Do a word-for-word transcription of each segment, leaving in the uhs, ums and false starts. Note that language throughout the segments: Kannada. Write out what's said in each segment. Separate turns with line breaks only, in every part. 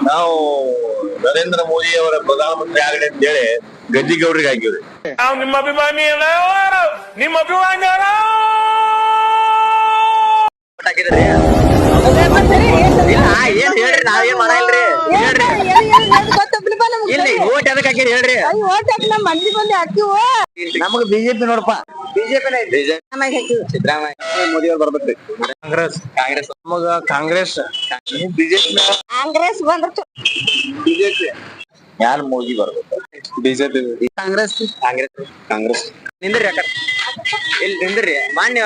ನಾವು ನರೇಂದ್ರ ಮೋದಿ ಅವರ ಪ್ರಧಾನಮಂತ್ರಿ ಆಗಲಿ ಅಂತ ಹೇಳಿ ಗದ್ದಿಗೌಡರಿಗೆ ಹಾಕಿವ್ರಿ.
ನಾವು ನಿಮ್ಮ ಅಭಿಮಾನಿ ನಿಮ್ಮ ಅಭಿಮಾನಿ
ಏನ್ ಹೇಳ್ರಿ ನಾವೇನ್ ಮಾಡಲ್ರಿ ಇಲ್ಲಿ ಓಟ್ ಎದಕ್ ಹಾಕಿರಿ ಹೇಳ್ರಿ.
ನಮಗ್ ಬಿಜೆಪಿ ನೋಡಪ್ಪ,
ಬಿಜೆಪಿ ಸಿದ್ದರಾಮಯ್ಯ ಮೋದಿ ಅವ್ರು ಬರ್ಬೇಕ್ರಿ.
ಕಾಂಗ್ರೆಸ್
ಕಾಂಗ್ರೆಸ್
ನಮಗ ಕಾಂಗ್ರೆಸ್ ಬಿಜೆಪಿ
ಕಾಂಗ್ರೆಸ್ ಬಂದ್ರ
ಬಿಜೆಪಿ ಯಾರು ಮೋದಿ ಬರ್ಬೇಕು?
ಬಿಜೆಪಿ
ಕಾಂಗ್ರೆಸ್
ಕಾಂಗ್ರೆಸ್ ಕಾಂಗ್ರೆಸ್ ನಿಂದ್ರಿ ಅಕ್ಕ ಇಲ್ಲಿ ನಿಂದ್ರಿ ಮಾನ್ಯ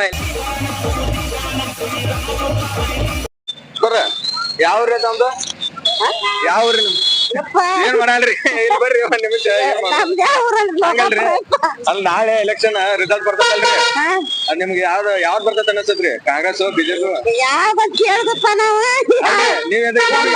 ಯಾವ್ರಿ ತಮ್ದು ಯಾವ್ರಿ ಏನ್ ಮಾಡಲ್ರಿ ಇಲ್ಲಿ ಬರ್ರಿ ಒಂದ್ ನಿಮಿಷ ಹಂಗಲ್ರಿ ಅಲ್ಲಿ ನಾಳೆ ಎಲೆಕ್ಷನ್ ರಿಸಲ್ಟ್ ಬರ್ತದಲ್ರಿ ಅದ್ ನಿಮ್ಗೆ ಯಾವ್ದು ಯಾವ್ದ್ ಬರ್ತದ ಅನ್ಸತ್ರಿ ಕಾಂಗ್ರೆಸ್ ಬಿಜೆಪಿ
ಯಾವ ಕೇಳ್ದಪ್ಪ ನಾವ್
ನೀವ್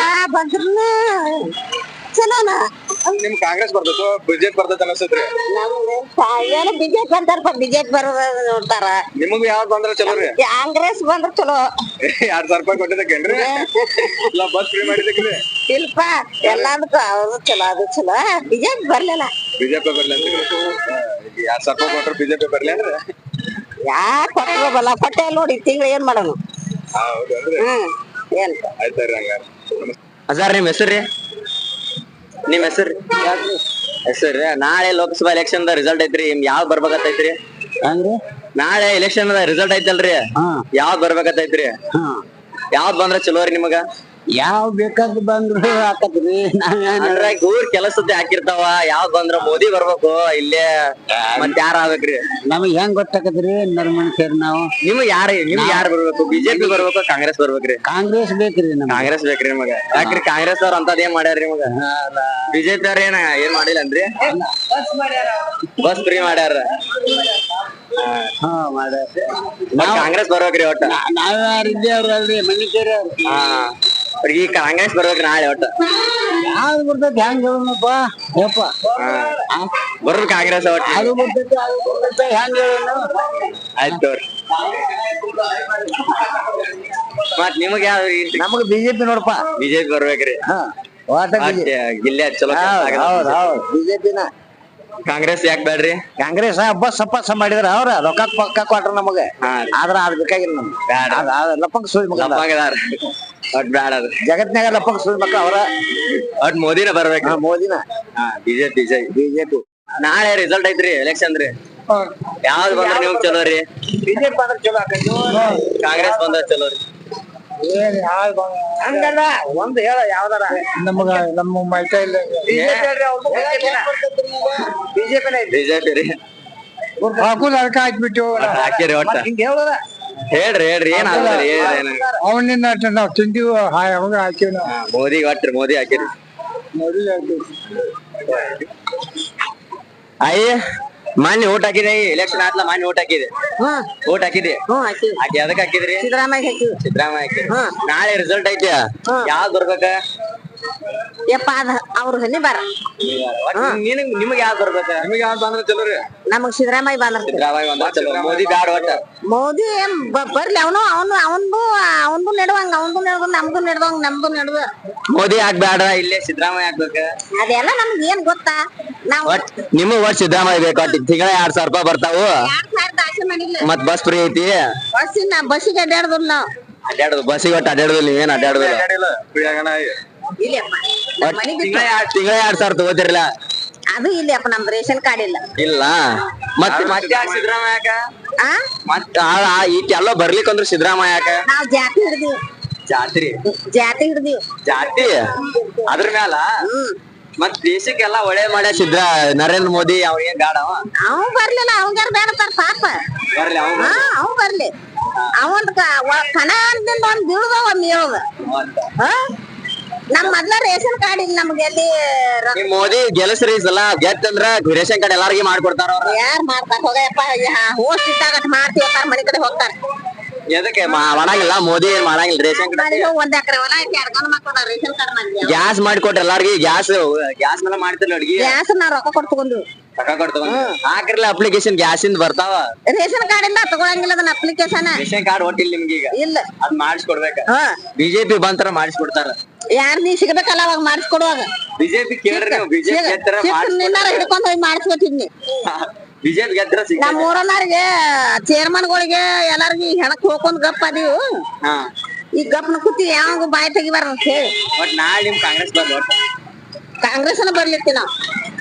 ಚಲೋನ
ನಿಮ್ ಕಾಂಗ್ರೆಸ್ ಬರ್ತದ ಬಿಜೆಪಿ ಬರ್ತದ ಅನ್ಸತ್ರಿ
ಏನು ಬಿಜೆಪಿ ಅಂತಾರಪ್ಪ, ಬಿಜೆಪಿ ಬರೋದ ನೋಡ್ತಾರ.
ನಿಮಗ್ ಯಾವ್ದ್ ಬಂದ್ರ ಚಲೋ ರೀ?
ಕಾಂಗ್ರೆಸ್ ಬಂದ್ರ ಚಲೋ.
ಎರಡ್ ಸಾವಿರ ರೂಪಾಯಿ ಕೊಟ್ಟಿದ್ದಕ್ಕೇನ್ರಿ ಇಲ್ಲ ಬಸ್ ಫ್ರೀ ಮಾಡಿದಕ್ರಿ?
ಇಲ್ಪ ಎಲ್ಲದಕ್ಕೂ ಅವ್ರದ್ದು ಚಲೋ, ಅದು ಚಲೋ. ಬಿಜೆಪಿ ಬರ್ಲಿಲ್ಲ.
ಬಿಜೆಪಿ ಬರ್ಲಿ ಅಂತ ಎರಡ್ ಸಾವಿರ ರೂಪಾಯಿ ಕೊಟ್ರ ಬಿಜೆಪಿ ಬರ್ಲಿ ಅಂದ್ರೆ
ಯಾಕೆ ಕೊಟ್ಟರು ಬಲ್ಲ ಕೊಟ್ಟೆ ನೋಡಿ ತಿಂಗಳ ಏನ್ ಮಾಡೋಣ.
ಹೌದನ್ರಿ
ಹ್ಮ್ ಏನ್
ಆಯ್ತಾರಿ ಹಂಗಾರ. ಅಜಾರ್ ನಿಮ್ ಹೆಸರು ನಿಮ್ ಹೆಸರು ಹೆಸರು ನಾಳೆ ಲೋಕಸಭಾ ಎಲೆಕ್ಷನ್ ದ ರಿಸಲ್ಟ್ ಐತ್ರಿ, ಯಾವ್ದ್ ಬರ್ಬೇಕತ್ತೈತ್ರಿ? ನಾಳೆ ಎಲೆಕ್ಷನ್ ದ ರಿಸಲ್ಟ್ ಐತಲ್ರಿ, ಯಾವ್ದ್ ಬರ್ಬೇಕತ್ತೈತ್ರಿ? ಯಾವ್ದ್ ಬಂದ್ರ ಚಲೋ ರೀ ನಿಮಗ?
ಯಾವ್ ಬೇಕಾದ್ ಬಂದ್ರು ಹಾಕತ್ರಿ.
ಊರ್ ಕೆಲಸದ ಹಾಕಿರ್ತಾವ, ಯಾವ್ದ್ ಬಂದ್ರ ಮೋದಿ ಬರ್ಬೇಕು ಇಲ್ಲೇ ಮತ್ ಯಾರ ಆಗ್ಬೇಕ್ರಿ?
ನಮಗ್ ಹೆಂಗ್ ಗೊತ್ತಾಕತ್ರಿ ನರ್ ಮನುಷ್ಯರ್ ನಾವು?
ನಿಮ್ಗ್ ಯಾರ ನಿಮ್ಗ್ ಯಾರು ಬರ್ಬೇಕು? ಬಿಜೆಪಿ ಬರ್ಬೇಕು ಕಾಂಗ್ರೆಸ್ ಬರ್ಬೇಕ್ರಿ?
ಕಾಂಗ್ರೆಸ್ ಬೇಕ್ರಿ ನಮ್ಗೆ.
ಕಾಂಗ್ರೆಸ್ ಬೇಕ್ರಿ ನಿಮಗ? ಯಾಕ್ರಿ ಕಾಂಗ್ರೆಸ್ ಅವ್ರ ಅಂತದ್ ಏನ್ ಮಾಡ್ಯಾರ ನಿಮಗ? ಬಿಜೆಪಿ ಅವ್ರ ಏನ ಏನ್ ಮಾಡಿಲ್ಲ ಅನ್ರಿ? ಬಸ್ ಫ್ರೀ ಮಾಡ್ಯಾರ.
ಹಾ ಮಾಡ್ಯಾರ.
ಕಾಂಗ್ರೆಸ್ ಬರ್ಬೇಕ್ರಿ ಒಟ್ಟ?
ನಾವ್ಯಾರಿದ್ದೇ ಅವ್ರಲ್ರಿ ಮನುಷ್ಯರ.
ಹಾ ಈ ಕಾಂಗ್ರೆಸ್ ಬರ್ಬೇಕ್ರಿ ನಾಳೆ ಒಟ್ಟ?
ಯಾವ್ದು ಬರ್ತೈತಿ ಹೆಂಗ್ ಹೇಳೋಣಪ್ಪ ಯಪ್ಪ?
ಬರ್ರಿ ಕಾಂಗ್ರೆಸ್ ಒಟ್ಟ?
ಅದು ಬರ್ತೈತಿ ಅದು ಬರ್ತೈತಿ ಹೆಂಗ್ ಹೇಳೋಣ?
ಆಯ್ತು ಮತ್ ನಿಮಗ್ ಯಾವ?
ನಮಗ್ ಬಿಜೆಪಿ ನೋಡಪ್ಪ.
ಬಿಜೆಪಿ ಬರ್ಬೇಕ್ರಿ? ಗಿಲ್ಲೆ ಚಲೋ.
ಹೌದ್ ಹೌದ್ ಬಿಜೆಪಿನ.
ಕಾಂಗ್ರೆಸ್ ಯಾಕೆ ಬೇಡ್ರಿ?
ಕಾಂಗ್ರೆಸ್ ಬಸ್ ಸಪಾಸ ಮಾಡಿದ್ರ ಅವ್ರ ರೊಕ್ಕ ಪಕ್ಕ ಕೊಟ್ರ ನಮಗ, ಆದ್ರ ಅದ್ ಬೇಕಾಗಿಲ್ಲ ನಮ್ಗೆ. ಲಪ್ಪಂಗ ಸುಳಿ ಮಗ
ಒಟ್ ಬ್ಯಾಡ ಅದ
ಜಗತ್ನಾಗ ಲಪ್ಪಂಗ ಸುಳಿ ಮಕ್ಳ ಅವ್ರ.
ಒಟ್ ಮೋದಿನ ಬರ್ಬೇಕ?
ಮೋದಿನ.
ಬಿಜೆಪಿ ಬಿಜೆಪಿ ನಾಳೆ ರಿಸಲ್ಟ್ ಐತ್ರಿ ಎಲೆಕ್ಷನ್ ರೀ, ಯಾವ್ದ್ ಬಂದ್ರ ನಿಮ್ಗ್ ಚಲೋ ರೀ?
ಬಿಜೆಪಿ ಬಂದ್ರ ಚಲೋ ಆಕೈತಿ,
ಕಾಂಗ್ರೆಸ್ ಬಂದ್ರ ಚಲೋ ರೀ?
ಹಂಗಲ್ಲ ಒಂದ್ ಹೇಳ ಯಾವ್ದಾರ ನಮಗ ನಮ್ಮ ಮೈಕೈ ಇಲ್ಲ. ಬಿಜೆಪಿನ
ಬಿಜೆಪಿ ರೀ
ಹಾಕುದ್ ಅದಕ್ಕ ಹಾಕ್ಬಿಟ್ಟು
ಹಾಕಿರಿ ಒಟ್ಟ
ಹಿಂಗ ಹೇಳೋದ.
ಹೇಳ್ರಿ ಹೇಳ್ರಿ ಏನ್ ಆಗ್ತದೆ?
ಅವನಿಂದ ನಾವ್ ತಿಂತೀವಿ ಅವಾಗ ಹಾಕಿವಿ ನಾವು.
ಮೋದಿ ಒಟ್ರಿ ಮೋದಿ ಹಾಕಿರಿ.
ಮೋದಿ ಹಾಕಿವಿ.
ಅಯ್ಯ ಮಾನ್ಯ ಓಟ್ ಹಾಕಿದೆ, ಎಲೆಕ್ಷನ್ ಆತ್ಲ ಮಾನ್ಯ ಓಟ್ ಹಾಕಿದೆ. ಓಟ್ ಹಾಕಿದೆ? ಹಾಕಿ ಅದಕ್ಕೆ ಹಾಕಿದ್ರಿ?
ಸಿದ್ದರಾಮಯ್ಯ ಹಾಕಿವಿ.
ಸಿದ್ದರಾಮಯ್ಯ ಹಾಕಿರಿ. ನಾಳೆ ರಿಸಲ್ಟ್ ಐತಿ, ಯಾವ್ದ್ ಬರ್ಬೇಕ?
ಯಪ್ಪ ಅದ ಅವ್ರ ಹನಿ ಬಾರ.
ನಿನಗ್ ನಿಮಗ್ ಯಾವ್ದ್ ಬರ್ಬೇಕ? ನಿಮಗ್ ಯಾವ್ದ್ ಬಂದ್ರ ಚಲೋ ರೀ?
ನಮಗ್ ಸಿದ್ದರಾಮಯ್ಯ ಬಂದ್ರ
ಸಿದ್ದರಾಮಯ್ಯ ಬಂದ್ರ ಚಲೋ. ಮೋದಿ ಬ್ಯಾಡ ಒಟ್ಟ?
ಮೋದಿ ಬರ್ಲಿ, ಅವನು ಅವನು ಅವನ್ದು ಅವನ್ದು ನೆಡುವಂಗ ಅವನ್ದು ನೆಡ್ದು ನಮ್ದು ನೆಡ್ದಂಗ ನಮ್ದು ನೆಡ್ದು.
ಮೋದಿ ಯಾಕ್ ಬ್ಯಾಡ, ಇಲ್ಲೇ ಸಿದ್ದರಾಮಯ್ಯ ಹಾಕ್ಬೇಕ?
ಅದೆಲ್ಲ ನಮ್ಗೆ ಏನ್ ಗೊತ್ತಾ? ನಾವ್
ನಿಮಗ್ ಒಟ್ ಸಿದ್ದರಾಮಯ್ಯ ಬೇಕು. ಒಟ್ಟು ತಿಂಗಳ ಎರಡ್ ಸಾವಿರ ರೂಪಾಯಿ ಬರ್ತಾವು,
ಎರಡ್ ಸಾವಿರದ ಆಸೆ ಮಾಡಿಲ್ಲ.
ಮತ್ ಬಸ್ ಫ್ರೀ ಐತಿ.
ಬಸ್ಸಿನ ಬಸ್ಸಿಗೆ ಅಡ್ಡಾಡ್ದು ನಾವು
ಅಡ್ಡಾಡುದು ಬಸ್ಸಿಗೆ ಒಟ್ಟು ಅಡ್ಡಾಡುದಿಲ್ಲ. ನೀವೇನ್ ಅಡ್ಡಾಡುದಿಲ್ಲ? ತಿಂಗಳ ಎರಡ್ ಸಾವಿರ ತಗೋತಿರ್ಲ?
ಅದು ಇಲ್ಲಿ ಅಪ್ಪ ನಮ್ದು ರೇಷನ್ ಕಾರ್ಡ್ ಇಲ್ಲ.
ಇಲ್ಲ ಮತ್ತೆ ಮತ್ತೆ ಯಾಕೆ ಸಿದ್ದರಾಮಯ್ಯ?
ಆ
ಮತ್ತ ಈಟೆಲ್ಲ ಬರ್ಲಿಕ್ಕೆ ಅಂದ್ರೆ ಸಿದ್ದರಾಮಯ್ಯ ಯಾಕ?
ನಾವ್ ಜಾತಿ ಹಿಡ್ದೀವಿ.
ಜಾತ್ರಿ
ಜಾತಿ ಹಿಡ್ದೀವಿ.
ಜಾತಿ ಅದ್ರ ಮ್ಯಾಲ ಮತ್ ದೇಶಕ್ಕೆಲ್ಲ ಒಳ್ಳೆ ಮಾಡ್ಯ ಸಿದ್ರ ನರೇಂದ್ರ ಮೋದಿ. ಅವ್ ಏನ್ ಗಾಡ
ಅವ್ ಬರ್ಲಿಲ್ಲ, ಅವಂಗಾರ ಬೇಡತಾರ ಪಾಪ.
ಬರ್ಲಿ ಅವ್
ಅವ್ ಬರ್ಲಿ. ಅವಂದ್ ಕಣ ಅಂದಿಂದ ಒಂದ್ ಬೀಳ್ದ ಒಂದ್ ಹೇಳದ. ನಮ್ ಮೊದ್ಲ ರೇಷನ್ ಕಾರ್ಡ್ ಇಲ್ಲ ನಮ್ಗೆ. ಎಲ್ಲಿ
ಮೋದಿ ಗೆಲ್ಸ್ರಿ ಸಲ ಗೆತ್ತಂದ್ರ ರೇಷನ್ ಕಾರ್ಡ್ ಎಲ್ಲಾರ್ಗಿ ಮಾಡ್ಕೊಡ್ತಾರ.
ಯಾರ್ ಮಾಡ್ತಾರ ಹೋಗಪ್ಪ, ಹೋಸ್ಟ್ ಇದ್ದಾಗ ಮಾಡ್ತೀವಿ ಮನೆ ಕಡೆ ಹೋಗ್ತಾರ.
ಎದಕ್ಕೆ ಮಾ- ಮಾಡಂಗಿಲ್ಲ ಮೋದಿ ಏನ್ ಮಾಡಂಗಿಲ್ಲ ರೇಷನ್
ಒಂದ್ ಎಕರೆ ಹೊಲ ಐತಿ ಎರಡ್ ಗಂಡ್ ಮಕ್ಳು ರೇಷನ್ ಕಾರ್ಡ್ ಮಾಡಿ
ಗ್ಯಾಸ್ ಮಾಡಿಕೊಟ್ರಿ ಎಲ್ಲಾರ್ಗಿ ಗ್ಯಾಸ್ ಗ್ಯಾಸ್ ಮೇಲೆ ಮಾಡ್ತಿರ್ಲಿ ಅಡ್ಗಿ
ಗ್ಯಾಸ್ ನಾ ರೊಕ್ಕ ಕೊಟ್ಟು ತಗೊಂಡು
ರೊಕ್ಕ ಕೊಡ್ತಾವ ಹಾಕ್ರಲ್ಲ ಅಪ್ಲಿಕೇಶನ್ ಗ್ಯಾಸ್ ಇಂದ ಬರ್ತಾವ
ರೇಷನ್ ಕಾರ್ಡ್ ಇಂದ ತಗೊಳಂಗಿಲ್ಲ ಅದನ್ನ ಅಪ್ಲಿಕೇಶನ್
ರೇಷನ್ ಕಾರ್ಡ್ ಒಟ್ಟಿಲ್ಲ ನಿಮ್ಗೆ ಈಗ
ಇಲ್ಲ
ಅದ್ ಮಾಡಿಸ್ಕೊಡ್ಬೇಕ
ಹಾ
ಬಿಜೆಪಿ ಬಂತರ ಮಾಡಿಸ್ಕೊಡ್ತಾರ
ಯಾರ್ ನೀ ಸಿಗ್ಬೇಕಲ್ಲ ಅವಾಗ ಮಾಡಿಸ್ಕೊಡುವಾಗ
ಬಿಜೆಪಿ ಕೇಳ್ರಿ ನೀವು ಬಿಜೆಪಿ ಗೆದ್ದರ
ನಿನ್ನಾರ ಹಿಡ್ಕೊಂಡ್ ಹೋಗಿ ಮಾಡಿಸ್ಕೊತಿದ್ನಿ
ಬಿಜೆಪಿ ಗೆದ್ದರ ಸಿಗ
ನಮ್ ಊರನ್ನಾರಿಗೆ ಚೇರ್ಮನ್ಗಳಿಗೆ ಎಲ್ಲಾರ್ಗಿ ಹೆಣಕ್ ಹೋಗ್ಕೊಂಡ್ ಗಪ್ ಅದೀವು
ಹಾ
ಈ ಗಪ್ನ ಕೂತಿ ಯಾವ ಬಾಯಿ ತೆಗಿಬಾರ ಅಂತ ಹೇಳಿ
ಬಟ್ ನಾಳೆ ನಿಮ್ ಕಾಂಗ್ರೆಸ್ ಬರ್ಲಿ ಒಟ್ಟ
ಕಾಂಗ್ರೆಸ್ನ ಬರ್ಲಿತ್ತಿ ನಾವ್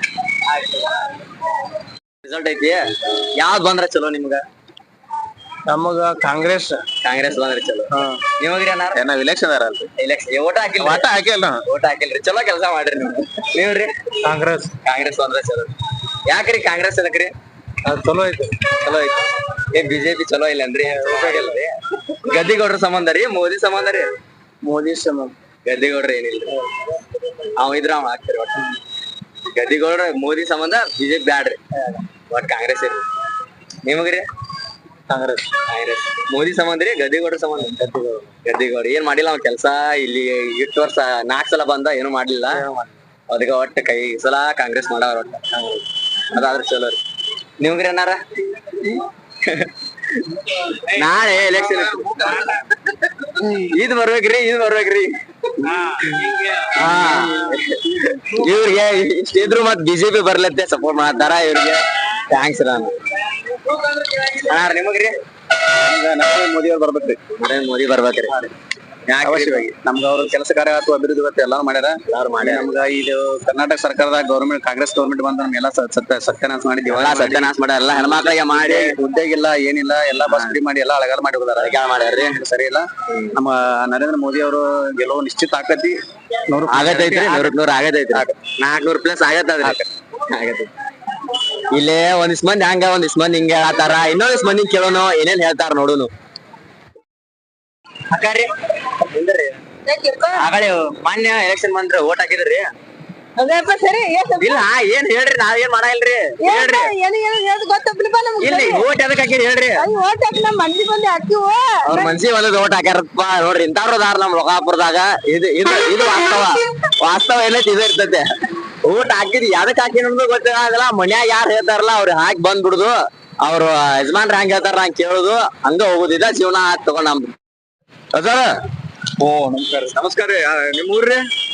ರಿಸಲ್ಟ್ ಐತಿ ಯಾವ್ದ್ ಬಂದ್ರ ಚಲೋ ನಿಮ್ಗ
ನಮಗ ಕಾಂಗ್ರೆಸ್
ಕಾಂಗ್ರೆಸ್ ಬಂದ್ರೆ ಚಲೋ ನಿಮಗ್ರಿ ಅನ್ನಾರ
ನಾವ್ ಇಲೆಕ್ಷನ್ ಅಲ್ರಿ
ಎಲೆಕ್ಷನ್ ಓಟ ಹಾಕಿಲ್ಲ
ಒಟ್ಟ ಹಾಕಿಲ್ಲ
ಓಟ್ ಹಾಕಿಲ್ರಿ ಚಲೋ ಕೆಲಸ ಮಾಡ್ರಿ ನೀವು ನೀವ್ರಿ
ಕಾಂಗ್ರೆಸ್
ಕಾಂಗ್ರೆಸ್ ಬಂದ್ರೆ ಚಲೋ ಯಾಕ್ರಿ ಕಾಂಗ್ರೆಸ್ ಅದಕ್ರಿ
ಚಲೋ ಐತಿ
ಚಲೋ ಐತಿ ಏ ಬಿಜೆಪಿ ಚಲೋ ಇಲ್ಲ ಅಂದ್ರಿ ಹೋಗಿಲ್ಲರಿ ಗದ್ದಿಗೌಡ್ರ ಸಂಬಂಧ ರೀ ಮೋದಿ ಸಂಬಂಧ ರೀ
ಮೋದಿ ಸಂಬಂಧ
ಗದ್ದಿಗೌಡ್ರ ಏನಿಲ್ಲ ಅವ ಇದ್ರ ಅವ ಹಾಕ್ತಾರಿ ಒಟ್ಟ ಗದ್ದಿಗೌಡ್ರ ಮೋದಿ ಸಂಬಂಧ ಬಿಜೆಪಿ ಬ್ಯಾಡ್ರಿ ಒಟ್ ಕಾಂಗ್ರೆಸ್ ಇರ್ರಿ ನಿಮಗ್ರಿ
ಕಾಂಗ್ರೆಸ್
ಕಾಂಗ್ರೆಸ್ ಮೋದಿ ಸಂಬಂಧ ರೀ ಗದ್ದಿಗೌಡ್ರ ಸಂಬಂಧ ಗದ್ದಿಗೌಡ ಗದ್ದಿಗೌಡ ಏನ್ ಮಾಡಿಲ್ಲ ಅವ್ ಕೆಲ್ಸ ಇಲ್ಲಿ ಇಷ್ಟು ವರ್ಷ ನಾಲ್ಕ್ ಸಲ ಬಂದ ಏನು ಮಾಡ್ಲಿಲ್ಲ ಅದಕ್ಕ ಒಟ್ಟ ಕೈ ಈ ಸಲ ಕಾಂಗ್ರೆಸ್ ಮಾಡವ್ರ ಒಟ್ಟ ಅದಾದ್ರ ಚಲೋ ರೀ ನಿಮ್ಗ್ರಿ ಅನ್ನಾರ ನಾಳೆ ಎಲೆಕ್ಷನ್ ಇದ್ ಬರ್ಬೇಕ್ರಿ ಇದ್ ಬರ್ಬೇಕ್ರಿ ಹಾ ಇವ್ರಿಗೆ ಇಷ್ಟಿದ್ರು ಮತ್ ಬಿಜೆಪಿ ಬರ್ಲತ್ತೆ ಸಪೋರ್ಟ್ ಮಾಡ್ತಾರ ಇವ್ರಿಗೆ ಥ್ಯಾಂಕ್ಸ್ ರಾಮ ಹಾ ನಿಮಗ್ರಿ
ನರೇಂದ್ರ ಮೋದಿ ಅವ್ರು ಬರ್ಬೇಕ್ರಿ
ನರೇಂದ್ರ ಮೋದಿ ಬರ್ಬೇಕ್ರಿ
ಅವಶ್ಯವಾಗಿ ನಮ್ಗ ಅವ್ರ ಕೆಲಸ ಕಾರ್ಯ ಅಥವಾ ಅಭಿವೃದ್ಧಿ ಇವತ್ತು ಎಲ್ಲಾರು ಮಾಡ್ಯಾರ
ಎಲ್ಲಾರು ಮಾಡ್ಯಾರ.
ನಮ್ಗ ಇದು ಕರ್ನಾಟಕ ಸರ್ಕಾರದಾಗ ಗೌರ್ಮೆಂಟ್ ಕಾಂಗ್ರೆಸ್ ಗೌರ್ಮೆಂಟ್ ಬಂದ ನಮ್ಗೆಲ್ಲ ಸತ್ಯ ಸತ್ಯನಾಶ ಮಾಡಿ
ಎಲ್ಲಾ
ದಿವಾಳ
ಸತ್ಯನಾಶ ಮಾಡ್ಯಾರ ಎಲ್ಲಾ ಹೆಣ್ಮಕ್ಳಿಗೆ ಮಾಡಿ
ಉದ್ಯೋಗ ಇಲ್ಲ ಏನಿಲ್ಲ ಎಲ್ಲಾ ಬಸ್ ಫ್ರೀ ಮಾಡಿ ಎಲ್ಲಾ ಅಳಗಾಲ ಮಾಡಿ ಹೋದಾರ
ಮಾಡ್ಯಾರ್ರಿ
ಸರಿ ಇಲ್ಲ ನಮ್ಮ ನರೇಂದ್ರ ಮೋದಿ ಅವರು ಗೆಲುವು ನಿಶ್ಚಿತ ಆಕತಿ ನೂರು
ಆಗತೈತ್ರಿ ನೂರಕ್ ನೂರ್ ಆಗತೈತ್ರಿ ನಾಲ್ಕನೂರ್ ಪ್ಲಸ್ ಆಗತ್ತದ್ರಿ ಆಗತೈತಿ ಇಲ್ಲೇ ಒಂದಿಸ್ ಮಂದಿ ಹಂಗ ಒಂದಿಸ್ ಮಂದಿ ಹಿಂಗ ಹೇಳತ್ತಾರ ಇನ್ನೊಂದಿಸ್ ಮಂದಿ ಕೇಳೋನು ಏನೇನ್ ಹೇಳ್ತಾರ ನೋಡುನು ಅಕ್ಕಾರಿ ಆಗಳೆ ಮಾನ್ಯ ಎಲೆಕ್ಷನ್ ಬಂದ್ರೆ ಓಟ್ ಹಾಕಿದ್ರಿ
ಅದಪ್ಪ ಸರಿ
ಇಲ್ಲ ಏನ್ ಹೇಳ್ರಿ ನಾವ್ ಏನ್ ಮಾಡಲ್ರಿ ಹೇಳ್ರಿ
ಏನು ಏನು ಹೇಳದ್ ಗೊತ್ತಪ್ಪ ನಮ್ಗೆ
ಇಲ್ಲಿ ಓಟ್ ಎದಕ್ ಹಾಕಿರಿ ಹೇಳ್ರಿ
ಓಟ್ ಹಾಕಿ ನಮ್ ಮಂದಿ ಬಂದಿ ಹಾಕಿವು
ಅವ್ರ ಮನ್ಸಿ ಒಂದ್ ಓಟ್ ಹಾಕ್ಯಾರಪ್ಪ ನೋಡ್ರಿ ಇಂತಾವ್ರು ಅದಾರ ನಮ್ ಲೋಕಾಪುರದಾಗ ಇದು ಇದು ಇದು ವಾಸ್ತವ ವಾಸ್ತವ ಏನೈತಿ ಇದು ಇರ್ತೈತೆ ಓಟ್ ಹಾಕಿದ್ ಯಾವ್ದಕ್ ಹಾಕಿ ಅನ್ನೋದು ಗೊತ್ತಾಗಲ್ಲ ಮನ್ಯಾಗ ಯಾರು ಹೇಳ್ತಾರಲ್ಲ ಅವ್ರು ಹಾಕಿ ಬಂದ್ ಬಿಡುದು ಅವ್ರು ಯಜಮಾನ್ರ ಹಂಗ ಹೇಳ್ತಾರ ಹಂಗ ಕೇಳುದು ಹಂಗ ಹೋಗುದಿದ ಜೀವನ ತಗೊಂಡ್ ನಮ್ದು
ಅದಾರ ಓ ನಮಸ್ಕಾರ ನಮಸ್ಕಾರ ರೀ ನಿಮ್ ಊರ್ರಿ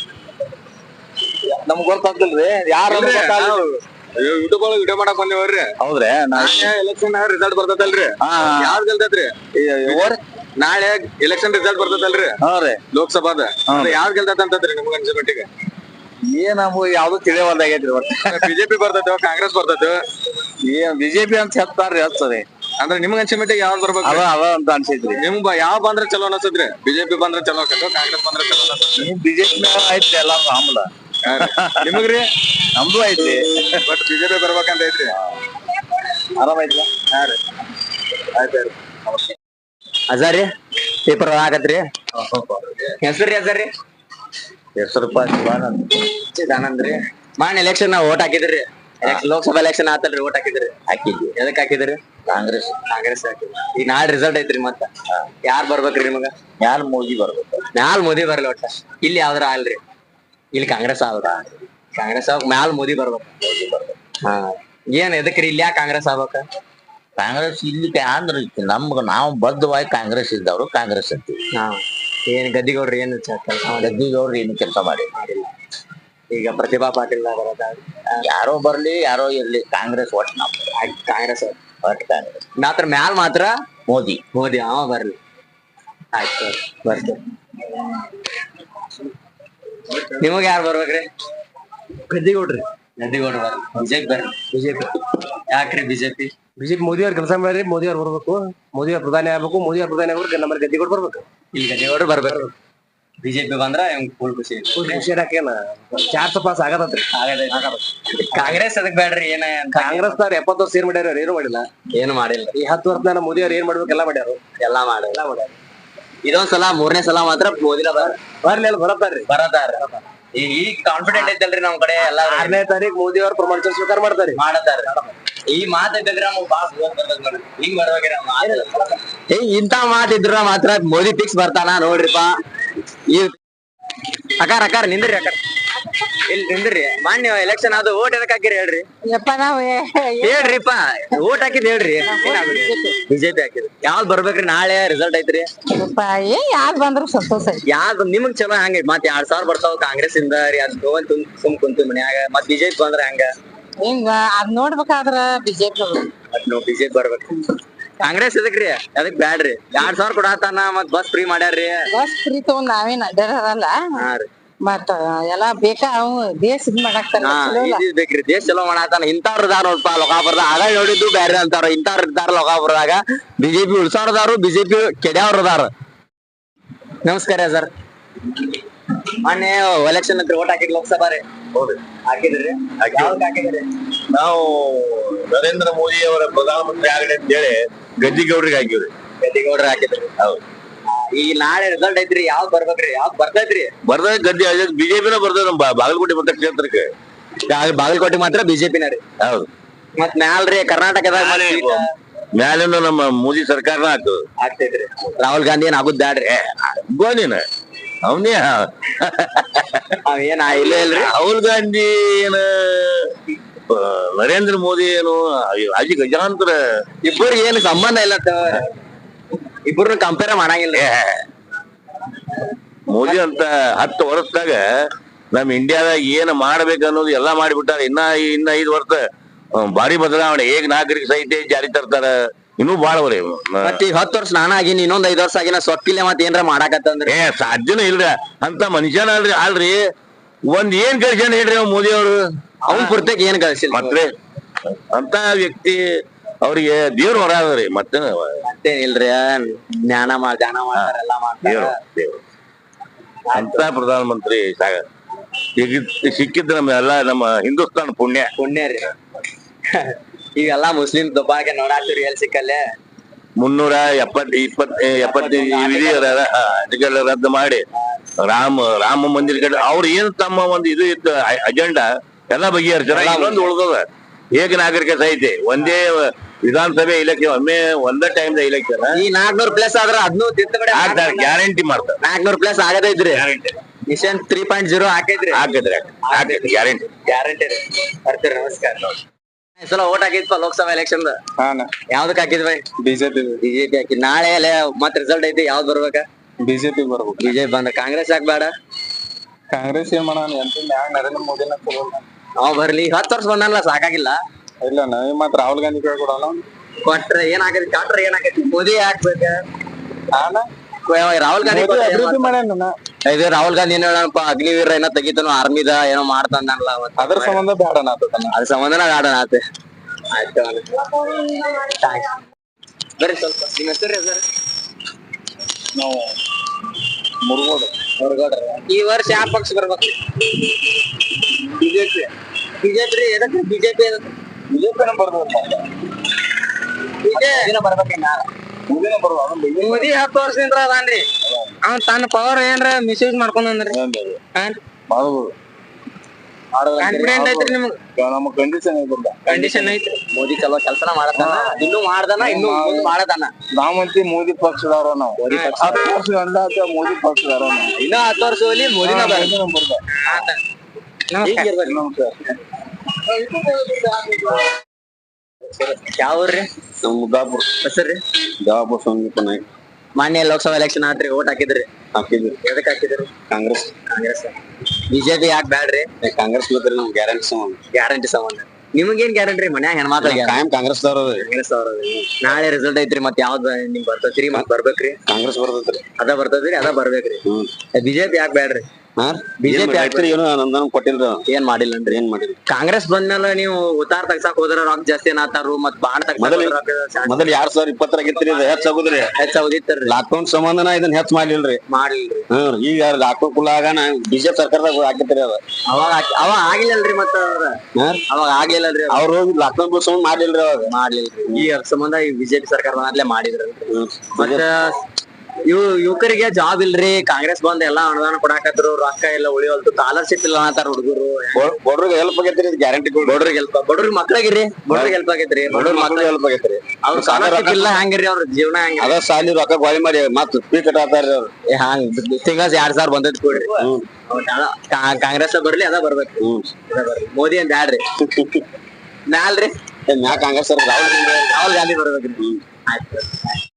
ನಮ್ಗ್ ಗೊತ್ತಾಗ್ತಿಲ್ರಿ ಯಾರು
ಯೂಟ್ಯೂಬ್ ಒಳಗ ವಿಡಿಯೋ ಮಾಡಕ್ ಬಂದೇವ್ರಿ
ಹೌದ್ರಿ
ಎಲೆಕ್ಷನ್ ರಿಸಲ್ಟ್ ಬರ್ತೈತಲ್ರಿ ಯಾವ್ದು ಗೆಲ್ತೈತ್ರಿ ನಾಳೆ ಎಲೆಕ್ಷನ್ ರಿಸಲ್ಟ್ ಬರ್ತೈತಲ್ರಿ
ಹಾ ರೀ
ಲೋಕಸಭಾದ ಯಾವ್ದು ಗೆಲ್ತೈತ ಅಂತಂದ್ರಿ ನಿಮ್ಗ ಅನ್ಸೋ ಮಟ್ಟಿಗೆ
ಏನ್ ನಮ್ಗೆ ಯಾವ್ದು ತಿಳಿಯವಲ್ದಾಗೈತ್ರಿ
ಬಿಜೆಪಿ ಬರ್ತೈತೋ ಕಾಂಗ್ರೆಸ್ ಬರ್ತೈತೋ
ಏನ್ ಬಿಜೆಪಿ ಅಂತ ಹೇಳ್ತಾರ್ರಿ ಹಚ್ಚದೆ
ಅಂದ್ರೆ ನಿಮ್ಗ ಅನ್ಸೋ ಮಟ್ಟಿಗೆ ಯಾವ್ದು ಬರ್ಬೇಕು
ಅವ ಅವ ಅಂತ ಅನ್ಸೈತ್ರಿ
ನಿಮ್ಗ ಯಾವ ಬಂದ್ರೆ ಚಲೋ ಅನ್ಸತ್ರಿ ಬಿಜೆಪಿ ಬಂದ್ರೆ ಚಲೋ ಆಕತ್ತೋ ಕಾಂಗ್ರೆಸ್ ಬಂದ್ರೆ ಚಲೋ ಅನ್ಸತ್ರಿ
ಬಿಜೆಪಿ ಐತ್ರಿ ಎಲ್ಲಾ ಆಮ್ಲ
ನಿಮಗ್ರಿ
ನಮ್ದು ಐತ್ರಿ
ಬಟ್ ಬಿಜೆಪಿ ಬರ್ಬೇಕಂತ ಐತ್ರಿ
ಆರಾಮ ಐತ್ರಿ
ಹಾ ರೀ ಆಯ್ತು
ಅಜಾರಿ ಪೇಪರ್ ಆಗತ್ರಿ ಹೆಸರಿ ಅಜಾರಿ
ಹೆಸರು
ಚಿದಾನಂದ್ ರೀ ಮಾನ್ ಎಲೆಕ್ಷನ್ ನಾವ್ ಓಟ್ ಹಾಕಿದ್ರಿ ಲೋಕಸಭಾ ಎಲೆಕ್ಷನ್ ಆತಲ್ರಿ ಓಟ್ ಹಾಕಿದ್ರಿ ಹಾಕಿದ್ವಿ ಎದಕ್ ಹಾಕಿದ್ರಿ ಕಾಂಗ್ರೆಸ್ ಕಾಂಗ್ರೆಸ್ ಹಾಕಿದ್ರಿ ಈಗ ನಾಳೆ ರಿಸಲ್ಟ್ ಐತ್ರಿ ಮತ್ತ ಯಾರ್ ಬರ್ಬೇಕ್ರಿ ನಿಮಗ
ಯಾರು ಮೋದಿ ಬರ್ಬೇಕು
ಮ್ಯಾಲ್ ಮೋದಿ ಬರ್ಲಿ ಒಟ್ಟ ಇಲ್ಲಿ ಯಾವ್ದ್ರ ಅಲ್ರಿ ಇಲ್ಲಿ ಕಾಂಗ್ರೆಸ್ ಆದ್ರ ಕಾಂಗ್ರೆಸ್ ಆಗ ಮ್ಯಾಲ್ ಮೋದಿ ಬರ್ಬೇಕು ಹಾ ಏನ್ ಎದಕ್ರಿ ಇಲ್ಲಿ ಯಾಕೆ ಕಾಂಗ್ರೆಸ್ ಆಗ್ಬೇಕ
ಕಾಂಗ್ರೆಸ್ ಇಲ್ಲಿ ಅಂದ್ರೆ ನಮ್ಗ ನಾವು ಬದ್ಧವಾಗಿ ಕಾಂಗ್ರೆಸ್ ಇದ್ದವ್ರು ಕಾಂಗ್ರೆಸ್ ಅಂತೀವಿ
ಹಾ ಏನ್ ಗದ್ದಿಗೌಡ್ರಿ ಏನ್ ಕೆಲಸ ಮಾಡಿ
ಗದ್ದಿಗೌಡ್ರು ಏನು ಕೆಲಸ ಮಾಡಿ
ಈಗ ಪ್ರತಿಭಾ ಪಾಟೀಲ್ ಬರೋದ
ಯಾರೋ ಬರ್ಲಿ ಯಾರೋ ಇರ್ಲಿ ಕಾಂಗ್ರೆಸ್ ಒಟ್ಟು ನಮ್
ಕಾಂಗ್ರೆಸ್
ಒಟ್ಟು ಕಾಂಗ್ರೆಸ್
ಮಾತ್ರ ಮ್ಯಾಲ್ ಮಾತ್ರ
ಮೋದಿ
ಮೋದಿ ಅವ ಬರ್ಲಿ ಆಯ್ತು ಬರ್ತೀವಿ ನಿಮಗ ಯಾರು ಬರ್ಬೇಕ್ರಿ
ಗದ್ದಿಗೌಡ್ರಿ
ಗದ್ದಿಗೌಡ್ರು ಬರ್ರಿ ಬಿಜೆಪಿ ಬರ್ರಿ
ಬಿಜೆಪಿ
ಯಾಕ್ರಿ ಬಿಜೆಪಿ
ಬಿಜೆಪಿ ಮೋದಿ ಅವ್ರ ಕೆಲಸ ಮಾಡ್ರಿ ಮೋದಿ ಅವ್ರು ಬರ್ಬೇಕು ಮೋದಿ ಅವ್ರ ಪ್ರಧಾನಿ ಆಗ್ಬೇಕು ಮೋದಿ ಅವ್ರ ಪ್ರಧಾನಿ ಆಗ್ಬೇಕು ನಮ್ಮ ಗದ್ದಿಗೌಡ ಬರ್ಬೇಕು
ಇಲ್ಲಿ ಗದ್ದಿಗೌಡ್ರು ಬರ್ಬೇಕು ಬಿಜೆಪಿ ಬಂದ್ರ ಫುಲ್ ಖುಷಿ
ಖುಷಿ ಹಾಕೇನ ಚಾರ್ ಪಾಸ್ ಆಗತತ್ರಿ
ಕಾಂಗ್ರೆಸ್ ಅದಕ್ ಬೇಡ್ರಿ ಏನ
ಕಾಂಗ್ರೆಸ್ ಅವ್ರ ಎಪ್ಪತ್ತು ವರ್ಷ ಏನ್ ಮಾಡ್ಯಾರ ಏನು ಮಾಡಿಲ್ಲ
ಏನು ಮಾಡಿಲ್ಲ
ಈ ಹತ್ತು ವರ್ಷ ಮೋದಿ ಅವ್ರು ಏನ್ ಮಾಡ್ಬೇಕು ಎಲ್ಲ ಮಾಡ್ಯಾರ
ಎಲ್ಲಾ ಮಾಡಿ ಎಲ್ಲಾ ಮಾಡ್ಯಾರ ಇದೊಂದ್ ಸಲ ಮೂರನೇ ಸಲ ಮಾತ್ರ ಮೋದಿನ
ಬರ್ಲಿ ಅಲ್ಲಿ ಬರತ್ತಾರ್ರಿ
ಬರತಾರ ಈಗ ಈಗ ಕಾನ್ಫಿಡೆಂಟ್ ಐತಲ್ರಿ ನಮ್ ಕಡೆ ಎಲ್ಲಾ
ಆರನೇ ತಾರೀಕು ಮೋದಿ ಅವ್ರ ಪ್ರಮಾಣ ಸ್ವೀಕಾರ ಮಾಡ್ತಾರಿ
ಮಾಡತಾರ ಈ ಮಾತಿದ್ರೆ ಹಿಂಗ್ ಬರ್ಬೇಕ್ರಿ ಏ ಇಂತ ಮಾತಿದ್ರ ಮಾತ್ರ ಮೋದಿ ಫಿಕ್ಸ್ ಬರ್ತಾನ ನೋಡ್ರಿಪ್ಪ. ಈ ಅಕಾರ ಅಕಾರ ನಿಂದ್ರಿ ಅಕಾರ ಇಲ್ಲಿ ನಿಂದ್ರಿ. ಮಾನ್ಯ ಎಲೆಕ್ಷನ್ ಅದು ಓಟ್ ಎದಕ್ ಹಾಕಿರಿ ಹೇಳ್ರಿ
ಯಪ್ಪ ನಾವ್
ಹೇಳ್ರಿಪ್ಪ. ಓಟ್ ಹಾಕಿದ್ ಹೇಳ್ರಿ. ಬಿಜೆಪಿ ಹಾಕಿದ್ರಿ. ಯಾವ್ದ್ ಬರ್ಬೇಕ್ರಿ ನಾಳೆ ರಿಸಲ್ಟ್ ಐತ್ರಿ?
ಯಪ್ಪ ಏ ಯಾರ್ ಬಂದ್ರು ಸಂತೋಷ ಐತಿ.
ಯಾವ್ದ್ ನಿಮಗ್ ಚಲೋ ಹಂಗ ಮತ್ ಎರಡ್ ಸಾವಿರ ಬರ್ತಾವ ಕಾಂಗ್ರೆಸ್ ಇಂದ ರೀ ಅದ್ ತಗೊಂಡ್ ತುಮ್ ಸುಮ್ ಕುಂತು ಮನ್ಯಾಗ ಮತ್ ಬಿಜೆಪಿ ಬಂದ್ರ ಹಂಗ
ಹಿಂಗ ಅದ್ ನೋಡ್ಬೇಕಾದ್ರ ಬಿಜೆಪಿ
ಮತ್ ನಾವ್ ಬಿಜೆಪಿ ಬರ್ಬೇಕು. ಕಾಂಗ್ರೆಸ್ ಎದಕ್ರಿ ಅದಕ್ ಬ್ಯಾಡ್ರಿ. ಎರಡ್ ಸಾವಿರ ಕೊಡತಾನ ಮತ್ ಬಸ್ ಫ್ರೀ ಮಾಡ್ಯಾರ್ರಿ.
ಬಸ್ ಫ್ರೀ ತಗೊಂಡ್ ನಾವೇನ್ ಅಡ್ಡಾಡಲ್ಲ
ಹಾ ರೀ
ಮತ್ತ ಎಲ್ಲಾ ಬೇಕಾ ಅವ್ ದೇಶ ಇದ್ ಮಾಡಾಕ್ತಾರ
ಹಾ ಇದ್ ಬೇಕ್ರಿ. ದೇಶ ಚಲೋ ಮಾಡಾತಾನ. ಇಂತಾವ್ರ ಇದಾರ ನೋಡ್ಪ ಲೋಕಾಪುರದಾಗ. ಆಗ ನೋಡಿದ್ದು ಬ್ಯಾರೆ ಅಂತಾರ. ಇಂತಾವ್ರ ಇದ್ದಾರ ಲೋಕಾಪುರದಾಗ. ಬಿಜೆಪಿ ಉಳ್ಸಾಡ್ದಾರು ಬಿಜೆಪಿ ಕೆಡ್ಯಾವ್ರ ಅದಾರ. ನಮಸ್ಕಾರ ಸರ್. ಮೊನ್ನೆ ಎಲೆಕ್ಷನ್ ಹತ್ರ ಓಟ್ ಹಾಕಿದ್ ಲೋಕಸಭಾ ರೀ.
ಹೌದು
ಹಾಕಿದ್ರಿ ಯಾವ್ದಕ್ ಹಾಕಿದ್ರಿ?
ನಾವು ನರೇಂದ್ರ ಮೋದಿ ಅವರ ಪ್ರಧಾನಮಂತ್ರಿ ಆಗಲಿ ಅಂತ ಹೇಳಿ ಗದ್ದಿಗೌಡ್ರಿಗೆ ಹಾಕಿವ್ರಿ.
ಗದ್ದಿಗೌಡ್ರ ಹಾಕಿದ್ರಿ.
ಹೌದು
ಈ ನಾಳೆ ರಿಸಲ್ಟ್ ಐತ್ರಿ ಯಾವ್ದ್ ಬರ್ಬೇಕ್ರಿ? ಯಾವ್ದ್ ಬರ್ತೈತ್ರಿ?
ಬರ್ದ ಗದ್ದೆ ಬಿಜೆಪಿನ ಬರ್ತದ ನಮ್ಮ ಬಾಗಲಕೋಟೆ ಮತ ಕ್ಷೇತ್ರಕ್ಕೆ.
ಬಾಗಲಕೋಟೆ ಮಾತ್ರ ಬಿಜೆಪಿನ ರೀ.
ಹೌದು
ಮತ್ ಮ್ಯಾಲ್ರಿ ಕರ್ನಾಟಕದಾಗ
ಮ್ಯಾಲಿನ ನಮ್ಮ ಮೋದಿ ಸರ್ಕಾರನ ಹಾಕೋದು
ಆಗ್ತೈತ್ರಿ. ರಾಹುಲ್ ಗಾಂಧಿ ಏನ್ ಆಗುದ್ ಬ್ಯಾಡ್ರಿ.
ಗೋನಿನ ಅವನೇ
ಅವ್ ಏನ್ ಇಲ್ಲ ಇಲ್ರಿ.
ರಾಹುಲ್ ಗಾಂಧಿ ಏನ ನರೇಂದ್ರ ಮೋದಿ ಏನು ಅಜಿ ಗಜಾಂತರ
ಇಬ್ಬರಿಗೆ ಏನು ಸಂಬಂಧ ಇಲ್ಲ. ಇಬ್ಬರನ್ನ ಕಂಪೇರ್ ಮಾಡಂಗಿಲ್ಲ.
ಮೋದಿ ಅಂತ ಹತ್ತು ವರ್ಷದಾಗ ನಮ್ ಇಂಡಿಯಾದಾಗ ಏನ್ ಮಾಡ್ಬೇಕು ಅನ್ನೋದು ಎಲ್ಲಾ ಮಾಡಿಬಿಟ್ಟಾರ. ಇನ್ನ ಇನ್ನ ಐದು ವರ್ಷ ಭಾರಿ ಬದಲಾವಣೆ. ಹೇಗ್ ನಾಗರಿಕ ಸಾಹಿತ್ಯ ಜಾರಿ ತರ್ತಾರ ಇನ್ನೂ ಬಾಳವ್ರಿ.
ಮತ್ ಈಗ ಹತ್ತು ವರ್ಷ ನಾನ ಆಗಿನ ಇನ್ನೊಂದ್ ಐದ್ ವರ್ಷ ಆಗಿನ ಸೊಕ್ಕಿಲ್ಲ ಮತ್ ಏನ್ರ ಮಾಡಾಕತ್ತಂದ್ರಿ
ಏ ಸಾಧ್ಯನೇ ಇಲ್ರಿ. ಅಂತ ಮನುಷ್ಯನ ಅಲ್ರಿ ಅಲ್ರಿ ಒಂದ್ ಏನ್ ಕಳ್ಸ್ಯಾನ ಹೇಳ್ರಿ ಅವ್ ಮೋದಿ ಅವ್ರು.
ಅವ್ನ್ ಪುರ್ತಕ್ ಏನ್ ಕಳ್ಸಿಲ್ಲ
ಮತ್ತೆ ಅಂತ ವ್ಯಕ್ತಿ ಅವ್ರಿಗೆ ದೇವ್ರ ಹೊರ ಅದ್ರಿ. ಮತ್ತೆ
ಮತ್ತೇನಿಲ್ರಿ. ಜ್ಞಾನ ಮಾಡ್ ಧ್ಯಾನ ಮಾಡ್ತಾರ ಎಲ್ಲಾ ಮಾಡ್ತಾರ.
ದೇವ್ರ ದೇವ್ರ ಅಂತ ಪ್ರಧಾನ ಮಂತ್ರಿ ಸಾಗ ಈಗ ಸಿಕ್ಕಿದ್ ನಮ್ಮ ಎಲ್ಲಾ ನಮ್ಮ ಹಿಂದೂಸ್ತಾನ್ ಪುಣ್ಯ
ಪುಣ್ಯ ರೀ. ಈಗೆಲ್ಲಾ ಮುಸ್ಲಿಂ ದುಬ್ಬಾಗೆ ನೋಡಾತಿರಿ ಎಲ್ ಸಿಕ್ಕಲ್ಲೇ.
ಮುನ್ನೂರ ಎಪ್ಪತ್ ಇಪ್ಪತ್ ಎಪ್ಪತ್ತು ವಿಧಿ ಅದಕ್ಕೆಲ್ಲ ರದ್ದು ಮಾಡಿ ರಾಮ ರಾಮ ಮಂದಿರ ಕಡೆ ಅವ್ರ ಏನ್ ತಮ್ಮ ಒಂದು ಇದು ಇತ್ತು ಅಜೆಂಡಾ ಎಲ್ಲಾ ಬಗೆಹರಿಸ್ಯಾರ. ಇನ್ನೊಂದು ಉಳ್ದದ ಏಕ ನಾಗರಿಕ ಸಾಹಿತ್ಯ ಒಂದೇ ವಿಧಾನಸಭೆ ಇಲೆಕ್ಷನ್ ಒಮ್ಮೆ ಒಂದೇ ಟೈಮ್ ಇಲೆಕ್ಷನ್
ಈ ನಾಲ್ಕನೂರ್ ಪ್ಲಸ್ ಆದ್ರ ಅದ್ನು ತಿದ್ದುಪಡಿ
ಆಗ್ತಾರೆ. ಗ್ಯಾರಂಟಿ ಮಾಡ್ತಾರೆ.
ನಾಲ್ಕನೂರ್ ಪ್ಲಸ್ ಆಗದೈತ್ರಿ.
Guarantee
mission three point zero ಹಾಕೈತ್ರಿ.
ಹಾಕಿದ್ರೆ ಹಾಕೈತಿ ಗ್ಯಾರಂಟಿ
ಗ್ಯಾರಂಟಿ ರೀ. ಬರ್ತೀರಿ ನಮಸ್ಕಾರ. ಈ ಸಲ ಓಟ್ ಹಾಕಿದ್ಪ ಲೋಕಸಭಾ ಎಲೆಕ್ಷನ್ ಯಾವ್ದಕ್ ಹಾಕಿದ್ವಿ?
ಬಿಜೆಪಿ
ಬಿಜೆಪಿ ಹಾಕಿ. ನಾಳೆ ಮತ್ ರಿಸಲ್ಟ್ ಐತಿ ಯಾವ್ದ್ ಬರ್ಬೇಕ?
ಬಿಜೆಪಿ ಬರ್ಬೇಕು.
ಬಿಜೆಪಿ ಬಂದ. ಕಾಂಗ್ರೆಸ್ ಯಾಕೆ ಬೇಡ?
ಕಾಂಗ್ರೆಸ್ ಏನ್ ಮಾಡೋಣ ಎಂತ ನರೇಂದ್ರ ಮೋದಿನ ತಗೋಣ.
ಅವ್ ಬರ್ಲಿ. ಹತ್ತು ವರ್ಷ ಬಂದಲ್ಲ ಸಾಕಾಗಿಲ್ಲ.
ಇಲ್ಲ ನಾವ್ ಮತ್ ರಾಹುಲ್ ಗಾಂಧಿ ಕೊಡೋಣ.
ಕೊಟ್ರೆ ಏನ್ ಆಗೈತಿ? ಕಾಟ್ರೆ ಏನ್ ಆಗೈತಿ? ಮೋದಿ ಹಾಕ್ಬೇಕ. ರಾಹುಲ್ ಗಾಂಧಿ
ಅಭಿವೃದ್ಧಿ ಮಾಡ್ಯಾನ.
ಇದು ರಾಹುಲ್ ಗಾಂಧಿ ಏನ್ ಹೇಳಪ್ಪ ಅಗ್ನಿವೀರ ಏನೋ ತೆಗಿತಾನು ಆರ್ಮಿದ ಏನೋ ಮಾಡ್ತಾನಲ್ಲ.
ಅದ್ರ ಸಂಬಂಧ ಬೇಡ
ಅದ್ರ ಸಂಬಂಧನ ಬೇಡ ಆತ. ಆಯ್ತು ಬರ್ರಿ ಸ್ವಲ್ಪ. ನಿಮ್ ಹೆಸರು ಸರ್?
ನಾವು ಮುರುಗೋಡು
ಮುರುಗೋಡ್ರ. ಈ ವರ್ಷ ಯಾವ ಪಕ್ಷ ಬರ್ಬೇಕು? ಬಿಜೆಪಿ. ಬಿಜೆಪಿ ರೀ. ಎದಕ್ಕೆ ಬಿಜೆಪಿ?
ಬಿಜೆಪಿನ ಬರ್ಬೇಕು.
ಬಿಜೆಪಿ ಬರ್ಬೇಕೇನ? ಮೋದಿ ಹತ್ತು ವರ್ಷದಿಂದ ಅದಾನ್ರಿ. ಅವ್ನ್ ತನ್ನ ಪವರ್ ಏನ್ರ ಮಿಸ್ಯೂಸ್ ಮಾಡ್ಕೊಂಡ್ರಿ. ಕಾನ್ಫಿಡೆಂಟ್ ಐತ್ರಿ ನಿಮ್ಗೆ?
ನಮ್ಮ ಕಂಡೀಷನ್ ಐತಿಲ್ಲ.
ಕಂಡೀಷನ್ ಐತ್ರಿ. ಮೋದಿ ಚಲೋ ಕೆಲ್ಸನ ಮಾಡತಾನ. ಇನ್ನೂ ಮಾಡ್ದಾನ ಇನ್ನೂ ಮುಂದ್ ಮಾಡತಾನ.
ನಾವಂತಿ ಮೋದಿ ಪಕ್ಷದವ್ರ ನಾವು. ಹತ್ತು ವರ್ಷ ಅಂದಾಜ ಮೋದಿ ಪಕ್ಷದವ್ರ ನಾವು.
ಇನ್ನ ಹತ್ತು ವರ್ಷ ಹೋಗ್ಲಿ ಮೋದಿನ
ಬರ್ಬೇಕು.
ಯಾವ್ರಿ?
ನಮ್ ಮುದ್ದಾಪುರ.
ಹೆಸರ್ರಿ?
ಜವಾಬ ಸಂಗೀತ ನಾಯ್ಕ.
ಮಾನ್ಯ ಲೋಕಸಭಾ ಎಲೆಕ್ಷನ್ ಆತ್ರಿ. ಓಟ್ ಹಾಕಿದ್ರಿ?
ಹಾಕಿದ್ರಿ.
ಎದಕ್ ಹಾಕಿದ್ರಿ?
ಕಾಂಗ್ರೆಸ್.
ಕಾಂಗ್ರೆಸ್. ಬಿಜೆಪಿ ಯಾಕೆ ಬ್ಯಾಡ್ರಿ?
ಕಾಂಗ್ರೆಸ್ ಬೇಕ್ರಿ ನಮ್ ಗ್ಯಾರಂಟಿ ಸಂಬಂಧ.
ಗ್ಯಾರಂಟಿ ಸಂಬಂಧ. ನಿಮಗೇನ್ ಗ್ಯಾರಂಟಿ? ಮನ್ಯಾಗ ಹೆಣ್ಮಕ್ಳಿಗೆ
ಕಾಯಂ ಕಾಂಗ್ರೆಸ್ ದವ್ರ.
ಕಾಂಗ್ರೆಸ್ ಅವ್ರ. ನಾಳೆ ರಿಸಲ್ಟ್ ಐತ್ರಿ. ಮತ್ ಯಾವ್ದ್ ನಿಮ್ ಬರ್ತೈತ್ರಿ? ಮತ್ ಬರ್ಬೇಕ್ರಿ?
ಕಾಂಗ್ರೆಸ್ ಬರ್ತೈತ್ರಿ.
ಅದ ಬರ್ತದ್ರಿ ಅದ ಬರ್ಬೇಕ್ರಿ. ಬಿಜೆಪಿ ಯಾಕೆ ಬ್ಯಾಡ್ರಿ?
ಬಿಜೆಪಿ ಹಾಕ್ತಿರಿ. ಏನು ನಮ್ದನ್ ಕೊಟ್ಟಿಲ್ರಿ.
ಏನ್ ಮಾಡಿಲ್ಲನ್ರಿ?
ಏನ್ ಮಾಡಿರಿ?
ಕಾಂಗ್ರೆಸ್ ಬಂದ್ಮೇಲೆ ನೀವು ಉತ್ತಾರ ತಗ್ಸಾಕ್ ಹೋದ್ರ ರೊಕ್ಕ ಜಾಸ್ತಿ ಏನಾತಾರು ಮತ್ ಬಾಂಡ್ ತಗ್ಸಾಕ
ಮೊದಲ್ ಎರಡ್ ಸಾವಿರ ಇಪ್ಪತ್ತರಾಗಿತ್ರಿ ಹೆಚ್ಚ ಆಗುದ್ರಿ.
ಹೆಚ್ಚ ಆಗುದಿತ್ತರಿ.
ಲಾಕ್ಡೌನ್ ಸಂಬಂಧನ ಇದನ್ನ ಹೆಚ್ಚ ಮಾಡ್ಲಿಲ್ರಿ.
ಮಾಡ್ಲಿಲ್ರಿ.
ಹ್ಮ್ ಈಗ ಲಾಕ್ಡೌನ್ ಕುಲ್ಲಾಗ ಬಿಜೆಪಿ ಸರ್ಕಾರದಾಗ ಹಾಕಿತ್ರಿ ಅದ.
ಅವಾಗ ಅವಾಗ ಆಗಿಲ್ಲಲ್ರಿ. ಮತ್ತ ಅವಾಗ ಆಗ್ಲಿಲ್ಲಲ್ರಿ.
ಅವ್ರು ಹೋಗಿ ಲಾಕ್ಡೌನ್ ಸಂಬಂಧ ಮಾಡ್ಲಿಲ್ರಿ ಅವಾಗ.
ಮಾಡ್ಲಿಲ್ರಿ. ಈ ಸಂಬಂಧ ಈ ಬಿಜೆಪಿ ಸರ್ಕಾರ ಬಂದ್ಲೇ ಮಾಡಿದ್ರಿ. ಮತ್ತ ಇವ್ ಯುವಕರಿಗೆ ಜಾಬ್ ಇಲ್ರಿ ಕಾಂಗ್ರೆಸ್ ಬಂದ್ ಎಲ್ಲಾ ಅನುದಾನ ಕೊಡಾಕತ್ರು ರೊಕ್ಕ ಎಲ್ಲ ಉಳಿವಲ್ತು ಸ್ಕಾಲರ್ಶಿಪ್ ಇಲ್ಲ ಅಂತಾರ ಹುಡುಗರು
ಬಡ್ರಿಗೆ ಹೆಲ್ಪ್ ಆಗೈತ್ರಿ ಗ್ಯಾರಂಟಿ
ಬಡ್ರಿಗೆ ಹೆಲ್ಪ್ ಬಡ್ರಿಗೆ ಮಕ್ಳಿಗಿರಿ ಬಡ್ರಿಗೆ ಹೆಲ್ಪ್ ಆಗೈತ್ರಿ ಬಡ್ರಿಗೆ ಮಕ್ಳಿಗೆ
ಹೆಲ್ಪ್ ಆಗೈತ್ರಿ
ಅವ್ರ ಸ್ಕಾಲರ್ಶಿಪ್ ಇಲ್ಲ ಹಂಗಿರಿ ಅವ್ರ ಜೀವನ ಹಂಗ
ಅದ ಸಾಲಿ ರೊಕ್ಕ ಗೋಳಿ ಮಾಡಿ ಮತ್ ಫ್ರೀ ಕಟ್ಟಾತಾರ್ರಿ ಅವ್ರು
ಹಂಗ ತಿಂಗಳ ಎರಡ್ ಸಾವಿರ ಬಂದೈತಿ ಕೊಡ್ರಿ ಕಾಂಗ್ರೆಸ್ ಬರ್ಲಿ ಅದ ಬರ್ಬೇಕು ಮೋದಿ ಅಂತ ಬ್ಯಾಡ್ರಿ ಮ್ಯಾಲ್ರಿ
ಮ್ಯಾ ಕಾಂಗ್ರೆಸ್ ರಾಹುಲ್
ರಾಹುಲ್ ಗಾಂಧಿ ಬರ್ಬೇಕ್ರಿ ಆಯ್ತು